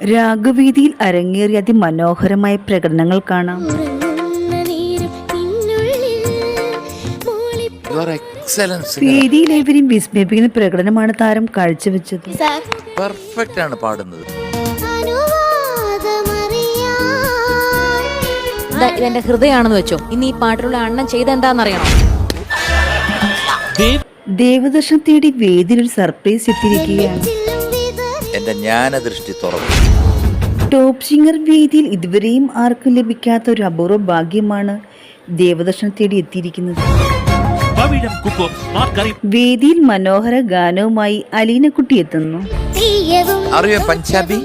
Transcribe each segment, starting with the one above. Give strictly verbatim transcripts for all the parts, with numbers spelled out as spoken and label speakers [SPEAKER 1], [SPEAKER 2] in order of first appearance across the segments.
[SPEAKER 1] രാഗവേദിയിൽ അരങ്ങേറിയ അതിമനോഹരമായ പ്രകടനങ്ങൾ കാണാം. വേദിയിൽ ഏവരെയും വിസ്മയിപ്പിക്കുന്ന പ്രകടനമാണ് താരം കാഴ്ചവെച്ചത്.
[SPEAKER 2] പെർഫെക്റ്റ് ആണ് പാടുന്നത്.
[SPEAKER 3] ഇതെന്റെ ഹൃദയമാണെന്ന് വെച്ചോ. ഇനി ഈ പാട്ടിലുള്ള അണ്ണൻ ചെയ്ത എന്താണെന്നറിയണം.
[SPEAKER 1] ദേവദർശനം തേടി വേദിയിൽ ഒരു സർപ്രൈസ് എത്തിയിരിക്കുകയാണ്.
[SPEAKER 2] എന്റെ ജ്ഞാനദൃഷ്ടി തുറന്നു.
[SPEAKER 1] ടോപ്പ് സിംഗർ വേദിയിൽ ഇതുവരെയും ആർക്കും ലഭിക്കാത്ത ഒരു അപൂർവ ഭാഗ്യമാണ് ദേവദർശനം തേടി എത്തിയിരിക്കുന്നത്. വേദിയിൽ മനോഹര ഗാനവുമായി അലീനക്കുട്ടി എത്തുന്നു.
[SPEAKER 2] അറിയോ പഞ്ചാബി?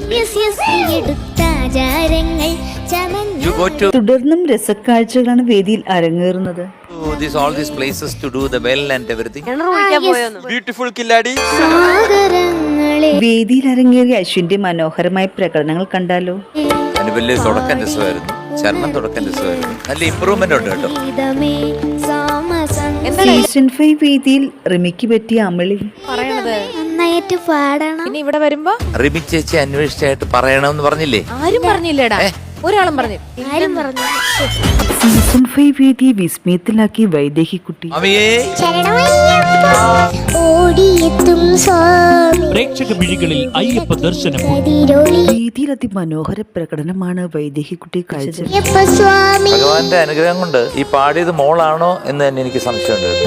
[SPEAKER 1] തുടർന്നും രസക്കാഴ്ചകളാണ് വേദിയിൽ അരങ്ങേറുന്നത്.
[SPEAKER 2] All these places to do the well and everything.
[SPEAKER 4] Beautiful killadi.
[SPEAKER 1] വേദിയിൽ അരങ്ങേറിയ അശ്വിന്റെ മനോഹരമായ പ്രകടനങ്ങൾ കണ്ടാലോ.
[SPEAKER 2] അതിന് വലിയ തുടക്കം രസമായിരുന്നു. ചരണം തുടക്കം രസമായിരുന്നു. നല്ല ഇമ്പ്രൂവ്മെന്റ് ഉണ്ട് കേട്ടോ.
[SPEAKER 1] സീസൺ ഫൈവ് വേദിയിൽ റിമിക്ക് പറ്റിയ അമളി
[SPEAKER 3] നന്നായിട്ട് പാടണം. പിന്നെ ഇവിടെ വരുമ്പോ
[SPEAKER 2] റിമി ചേച്ചി അന്വേഷിച്ചായിട്ട് പറയണമെന്ന് പറഞ്ഞില്ലേ?
[SPEAKER 3] ആരും പറഞ്ഞില്ലേടാ, ഒരാളും പറഞ്ഞു. ആരും പറഞ്ഞു.
[SPEAKER 1] സീസൺ ഫൈവ് വേദിയെ വിസ്മയത്തിലാക്കി വൈദേഹിക്കുട്ടി.
[SPEAKER 5] പ്രേക്ഷക മിഴികളിൽ അയ്യപ്പ ദർശനം.
[SPEAKER 1] വേദിയിൽ അതിമനോഹര പ്രകടനമാണ് വൈദേഹിക്കുട്ടി കാഴ്ച.
[SPEAKER 2] ഭഗവാന്റെ അനുഗ്രഹം കൊണ്ട് ഈ പാടിയത് മോളാണോ എന്ന് തന്നെ എനിക്ക് സംശയമുണ്ട്.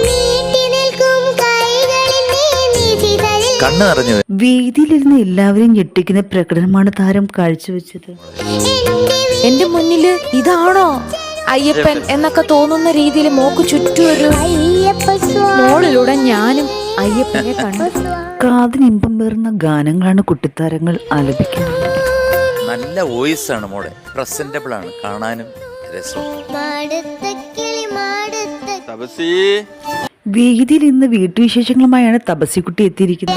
[SPEAKER 2] കണ്ണ് നിറഞ്ഞു.
[SPEAKER 1] വേദിയിലിരുന്ന് എല്ലാവരെയും ഞെട്ടിക്കുന്ന പ്രകടനമാണ് താരം കാഴ്ചവെച്ചത്.
[SPEAKER 3] എന്റെ മുന്നില് ഇതാണോ അയ്യപ്പൻ എന്നൊക്കെ തോന്നുന്ന രീതിയിൽ മോക്ക് ചുറ്റും ഒരു മോളിലൂടെ ഞാനും അയ്യപ്പനെ കണ്ടു.
[SPEAKER 1] കാതിനിമ്പം പേർന്ന ഗാനങ്ങളാണ് കുട്ടിത്താരങ്ങൾ ആലപിക്കുന്നത്.
[SPEAKER 2] നല്ല വോയിസ് ആണ് മോളെ. പ്രസന്റബിൾ ആണ്, കാണാനും രസം.
[SPEAKER 1] വേദിയിൽ ഇന്ന് വീട്ടുവിശേഷങ്ങളുമായാണ് തപസിക്കുട്ടി എത്തിയിരിക്കുന്നത്.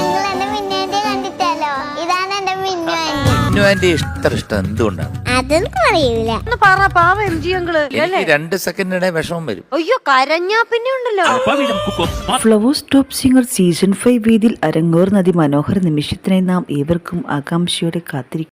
[SPEAKER 2] ഇഷ്ടം ഇഷ്ടം എന്തുകൊണ്ടാണ് എനിക്ക് രണ്ട് സെക്കൻഡിടെ വിഷമം വരും.
[SPEAKER 6] അയ്യോ കരഞ്ഞാ പിന്നെ ഉണ്ടല്ലോ.
[SPEAKER 1] Flowers top singer season five വേദിയിൽ അരങ്ങേറുന്ന അതിമനോഹര നിമിഷത്തിനായി നാം ഏവർക്കും ആകാംക്ഷയോടെ കാത്തിരിക്കും.